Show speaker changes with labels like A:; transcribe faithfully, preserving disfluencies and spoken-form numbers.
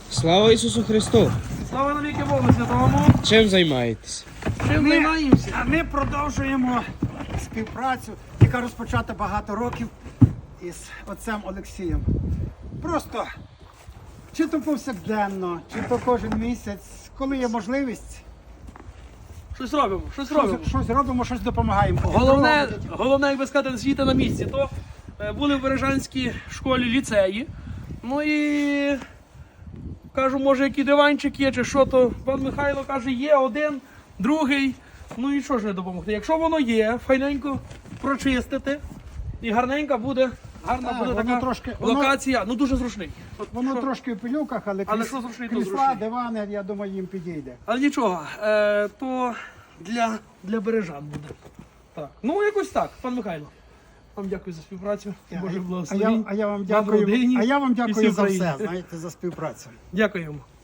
A: Слава Ісусу Христу!
B: Слава навіки Богу Святому!
A: Чим займаєтесь?
B: Чим
C: Ми,
B: займаємося?
C: а ми продовжуємо співпрацю, яка розпочата багато років із отцем Олексієм. Просто чи то повсякденно, чи то кожен місяць, коли є можливість,
B: Щось робимо, щось робимо.
C: щось, щось робимо, щось допомагаємо.
B: Головне, головне, як би сказати, світа на місці. То е, були в Бережанській школі ліцеї. Ну і кажу, може, який диванчик є, чи що, то пан Михайло каже, є один, другий. Ну і що ж не допомогти? Якщо воно є, файненько прочистити, і гарненька буде, гарна
C: Так,
B: буде
C: воно
B: така
C: трошки- воно-
B: локація. Ну дуже зручний. От
C: Воно
B: що?
C: трошки в пилюках, але,
B: Але
C: кріс-
B: що зручний, то
C: крісла,
B: зручний.
C: дивани, я думаю, їм підійде.
B: Але нічого, е, то для, для бережан буде. Так. Ну, якось так, пан Михайло. Вам дякую за співпрацю. Боже
C: а, я,
B: благословінь.
C: а я вам
B: Вам
C: дякую,
B: родині
C: а я вам
B: і
C: дякую
B: всій
C: за
B: Україні.
C: все, знаєте, за співпрацю.
B: Дякуємо.